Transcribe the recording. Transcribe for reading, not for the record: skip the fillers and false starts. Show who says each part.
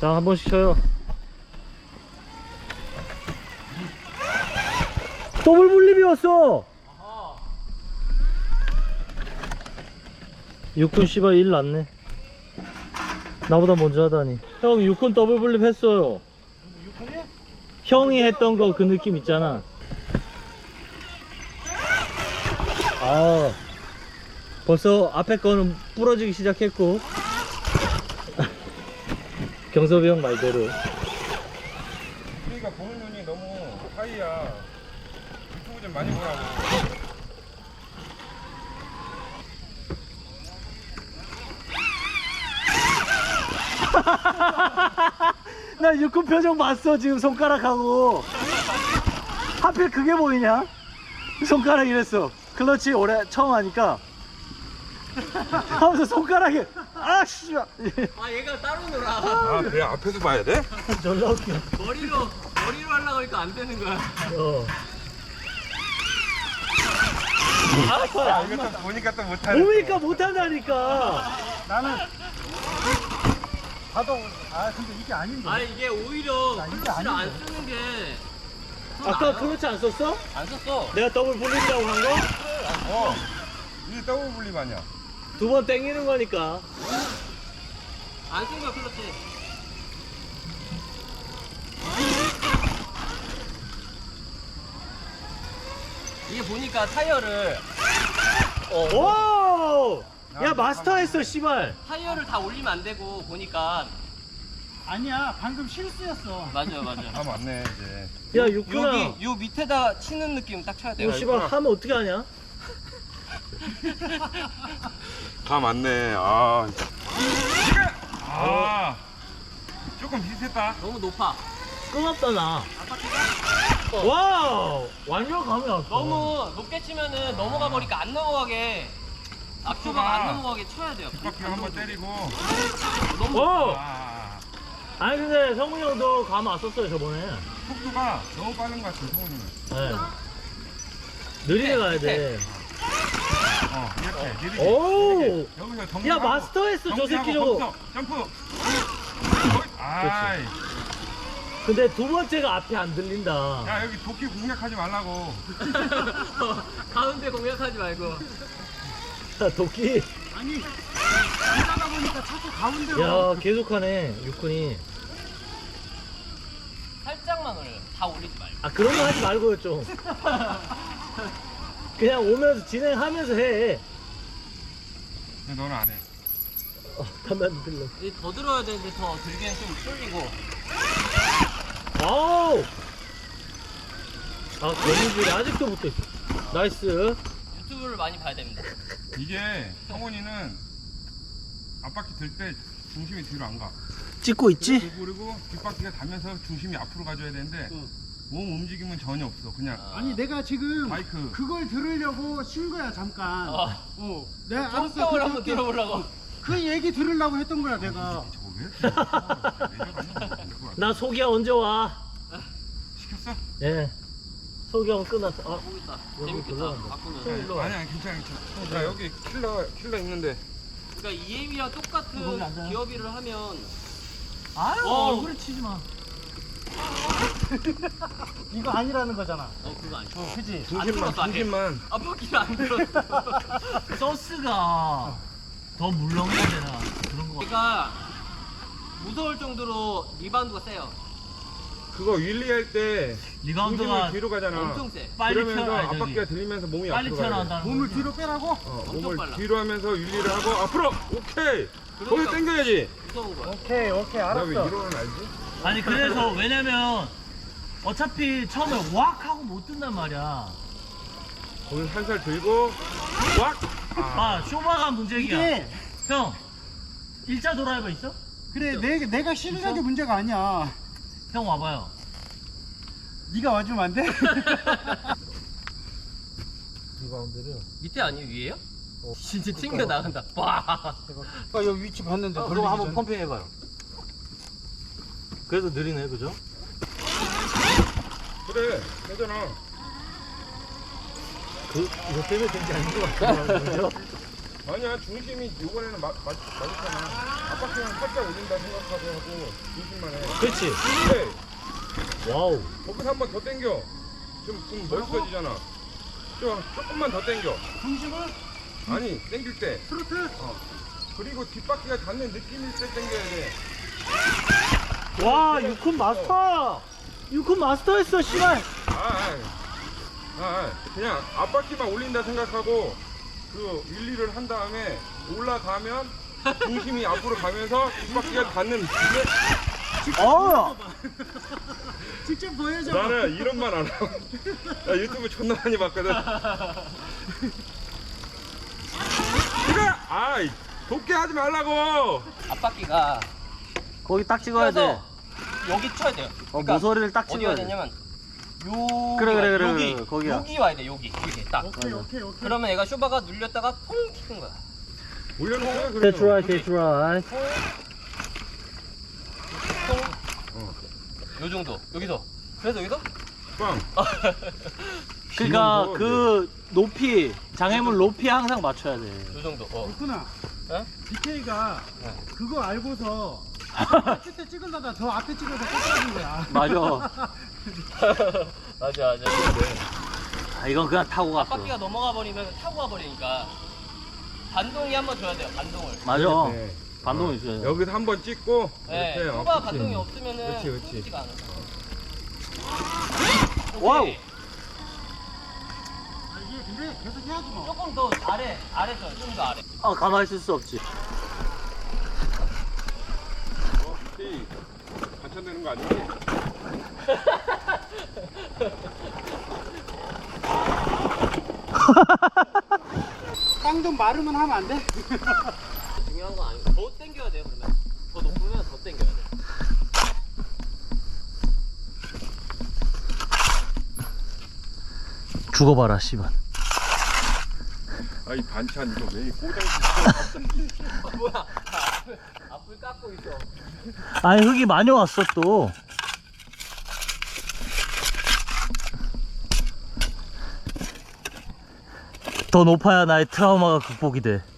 Speaker 1: 자, 한 번씩 쳐요. 더블 분립이 왔어. 육군 씨발 일 났네. 나보다 먼저 하다니. 형 육군 더블 분립 했어요.
Speaker 2: 육군이?
Speaker 1: 형이 했던 거 그 느낌 있잖아. 아, 벌써 앞에 거는 부러지기 시작했고. 경섭이 형 말대로.
Speaker 3: 우리가 보는 눈이 너무 하이야. 유튜브 좀 많이 보라고.
Speaker 1: 나 육군 표정 봤어. 지금 손가락하고 하필 그게 보이냐? 손가락 이랬어. 클러치 올해 처음 하니까 하면서 손가락에 아씨.
Speaker 2: 아 얘가 따로 놀아.
Speaker 3: 아, 그래? 앞에서 봐야 돼?
Speaker 1: 졸라 웃겨.
Speaker 2: 머리로 하려고 하니까 안 되는 거야.
Speaker 3: 아, 이거 또 보니까 또 못하네.
Speaker 1: 보니까 못한다니까.
Speaker 2: 나는
Speaker 4: 봐도 근데 이게 아닌데.
Speaker 2: 아 이게 오히려
Speaker 4: 야, 이게
Speaker 2: 클러치를 안
Speaker 4: 아닌데.
Speaker 2: 쓰는 게.
Speaker 1: 아까 클러치 안 썼어?
Speaker 2: 안 썼어.
Speaker 1: 내가 더블 불린다고 한 거?
Speaker 3: 이게 더블 분립 아니야?
Speaker 1: 두 번 땡기는 거니까.
Speaker 2: 안 쓴 거야 클러치. 이게 보니까 타이어를
Speaker 1: 오! 야 마스터 했어 씨발.
Speaker 2: 타이어를 다 올리면 안 되고 보니까
Speaker 4: 아니야, 방금 실수였어.
Speaker 2: 맞아요.
Speaker 3: 아, 맞네, 이제.
Speaker 1: 야 육군아.
Speaker 2: 여기 요 밑에다 치는 느낌 딱 쳐야 돼요.
Speaker 1: 너 씨발 하면 어떻게 하냐?
Speaker 3: 다 맞네, 아. 아. 조금 비슷했다.
Speaker 2: 너무 높아.
Speaker 1: 끊었다 나. 와우! 완전 감이 왔어.
Speaker 2: 너무 높게 치면은 넘어가 버리니까 안 넘어가게 앞쪽가 안 넘어가게 쳐야 돼요.
Speaker 3: 뒷바퀴 한번 때리고.
Speaker 1: 오!
Speaker 3: 아.
Speaker 1: 아니 근데 성훈이 형도 감 왔었어요 저번에.
Speaker 3: 속도가 너무 빠른 것 같아, 성훈이는.
Speaker 1: 네. 느리게 가야 돼.
Speaker 3: 이렇게. 느리게.
Speaker 1: 오!
Speaker 3: 여기서
Speaker 1: 야
Speaker 3: 정리하고,
Speaker 1: 마스터 했어 저
Speaker 3: 정리하고
Speaker 1: 새끼 저거.
Speaker 3: 거기서 점프. 아이.
Speaker 1: 근데 두 번째가 앞이 안 들린다.
Speaker 3: 야, 여기 도끼 공략하지 말라고.
Speaker 2: 가운데 공략하지 말고.
Speaker 1: 야 도끼.
Speaker 4: 아니, 가다 보니까 자꾸 가운데로.
Speaker 1: 야 계속하네 육군이.
Speaker 2: 살짝만 올려요. 다 올리지 말고.
Speaker 1: 아 그런 거 하지 말고요 좀. 그냥 오면서 진행하면서 해.
Speaker 3: 근데 너는 안 해.
Speaker 1: 담배 안 들려.
Speaker 2: 이제 더 들어야 되는데 더 들기엔 좀 쏠리고.
Speaker 1: 아우. 아 거미줄이 아직도 붙어있어. 나이스.
Speaker 2: 유튜브를 많이 봐야 됩니다.
Speaker 3: 이게 성훈이는 앞바퀴 들 때 중심이 뒤로 안 가.
Speaker 1: 찍고 있지?
Speaker 3: 그리고 뒷바퀴가 닿면서 중심이 앞으로 가줘야 되는데 몸 움직임은 전혀 없어. 그냥
Speaker 4: 아니, 내가 지금
Speaker 3: 바이크.
Speaker 4: 그걸 들으려고 쉰 거야, 잠깐. 내가 알았어.
Speaker 2: 성격을 한번 들어보려고.
Speaker 4: 그 얘기 들으려고 했던 거야, 내가.
Speaker 3: 저거 왜 이렇게
Speaker 1: 나 소기야 언제 와?
Speaker 3: 시켰어?
Speaker 1: 예. 소기형 끝났어. 아,
Speaker 2: 보고 있다.
Speaker 1: 여기
Speaker 2: 재밌겠다.
Speaker 1: 올라간다.
Speaker 2: 바꾸면.
Speaker 1: 일로 와.
Speaker 3: 아니야, 괜찮아. 야, 여기 킬러 있는데.
Speaker 2: 그러니까 EM이랑
Speaker 1: 거기
Speaker 2: 똑같은
Speaker 1: 앉아요.
Speaker 2: 기어비를 하면
Speaker 1: 아유 얼굴에 치지 마.
Speaker 4: 이거 아니라는 거잖아.
Speaker 2: 그거 안 쳐.
Speaker 4: 그지?
Speaker 3: 중심만.
Speaker 2: 앞바퀴를 안 들었어.
Speaker 1: 소스가 더 물렁해야 되나 그런 거.
Speaker 2: 얘가 무서울 정도로 리바운드가 세요.
Speaker 3: 그거 윌리할 때
Speaker 1: 리바운드가
Speaker 3: 중심이 뒤로 가잖아.
Speaker 2: 엄청 세.
Speaker 1: 빨리
Speaker 3: 그러면서
Speaker 1: 튀어나와, 저기.
Speaker 3: 앞바퀴가 들리면서 몸이
Speaker 1: 빨리
Speaker 3: 앞으로 가야 돼.
Speaker 1: 튀어나온다는
Speaker 4: 몸을
Speaker 1: 거지.
Speaker 4: 뒤로 빼라고?
Speaker 3: 몸을
Speaker 2: 빨라.
Speaker 3: 뒤로 하면서 윌리를 하고 앞으로. 오케이. 거기
Speaker 2: 그러니까.
Speaker 3: 당겨야지.
Speaker 2: 무서운 거야.
Speaker 4: 오케이,
Speaker 3: 나 왜
Speaker 4: 알았어.
Speaker 3: 이러는 알지?
Speaker 1: 아니 그래서 왜냐면 어차피 처음에 왁 하고 못 뜬단 말이야.
Speaker 3: 거기 한 살 들고 왁.
Speaker 1: 아 쇼바가 문제기야.
Speaker 4: 이게,
Speaker 1: 형 일자 드라이버 있어?
Speaker 4: 그래, 내가 싫은 게 문제가 아니야.
Speaker 1: 형 와봐요.
Speaker 4: 네가 와주면 안 돼?
Speaker 1: 리바운드를.
Speaker 2: 밑에 아니에요? 위에요? 진짜 튕겨 나간다. 와.
Speaker 4: 아, 여기 위치 봤는데.
Speaker 1: 그거
Speaker 4: 걸리기
Speaker 1: 한번
Speaker 4: 전에.
Speaker 1: 펌핑 해봐요. 그래도 느리네 그죠?
Speaker 3: 그래. 되잖아.
Speaker 1: 이거 때문에 된 게 아닌 것 같아요. 그죠?
Speaker 3: 아니야, 중심이 이번에는 맞았잖아. 앞바퀴만 살짝 올린다 생각하고 하고 중심만 해.
Speaker 1: 그렇지.
Speaker 3: 근데
Speaker 1: 와우.
Speaker 3: 거기서 한 번 더 당겨. 좀 멋있어지잖아. 조금만 더 당겨.
Speaker 4: 중심을
Speaker 3: 아니 당길 때.
Speaker 4: 트로트.
Speaker 3: 그리고 뒷바퀴가 닿는 느낌일 때 당겨야 돼.
Speaker 1: 와, 유콘 마스터. 유콘 마스터 했어, 씨발.
Speaker 3: 그냥 앞바퀴만 올린다 생각하고 그 윌리를 한 다음에 올라가면 중심이 앞으로 가면서 뒷바퀴가 닿는 느낌에
Speaker 1: 어.
Speaker 4: 직접 보여줘.
Speaker 3: 나는 이런 말 안 하고 나 유튜브 존나 많이 봤거든. 이거 돕게 하지 말라고.
Speaker 2: 앞바퀴가
Speaker 1: 거기 딱 찍어야 돼.
Speaker 2: 껴서 여기 쳐야 돼요. 그러니까
Speaker 1: 모서리를 딱
Speaker 2: 어디
Speaker 1: 찍어야
Speaker 2: 와야
Speaker 1: 돼.
Speaker 2: 되냐면
Speaker 1: 그래,
Speaker 2: 여기
Speaker 1: 거기야.
Speaker 2: 여기 와야 돼. 여기 이렇게 딱.
Speaker 4: 오케이.
Speaker 2: 그러면 얘가 쇼바가 눌렸다가 퐁 튀는 거야.
Speaker 3: 올려놓고
Speaker 1: That's right, that's right.
Speaker 2: 요 정도. 여기서. 그래서 여기서
Speaker 3: 빵.
Speaker 1: 그러니까
Speaker 3: 지금
Speaker 1: 그 높이, 장애물 높이 항상 맞춰야 돼.
Speaker 2: 요 정도.
Speaker 4: 그렇구나.
Speaker 2: 어?
Speaker 4: DK가
Speaker 2: 네.
Speaker 4: 그거 알고서 끝에 찍으려다 더 앞에 찍어서 꽂아준 거야.
Speaker 1: 맞아.
Speaker 2: 맞아.
Speaker 1: 아, 이건 그냥 타고 갔어.
Speaker 2: 앞바퀴가 넘어가 버리면 타고 가 버리니까 반동이 한번 줘야 돼요. 반동을.
Speaker 1: 맞아.
Speaker 3: 네.
Speaker 1: 반동이 있어요.
Speaker 3: 여기서 한번 찍고
Speaker 2: 네.
Speaker 3: 이렇게
Speaker 2: 쇼바
Speaker 3: 그치.
Speaker 2: 반동이 없으면은
Speaker 3: 그렇지.
Speaker 2: 쏘지가 않아.
Speaker 1: 와우.
Speaker 2: 오케이.
Speaker 4: 이게 근데 계속 해야지 뭐.
Speaker 2: 조금 더 아래 좀 더 아래.
Speaker 1: 아, 가만히 있을 수 없지.
Speaker 3: 이 반찬되는 거 아니지?
Speaker 4: 땅 좀 마르면 하면 안 돼?
Speaker 2: 중요한 건 아니고 더 당겨야 돼요. 그러면 더 높으면 더 당겨야 돼.
Speaker 1: 죽어봐라, 씨발.
Speaker 3: 이 반찬 이거 왜 꼬장
Speaker 2: 뭐야? 앞을 깎고 있어.
Speaker 1: 아니, 흙이 많이 왔어, 또. 더 높아야 나의 트라우마가 극복이 돼.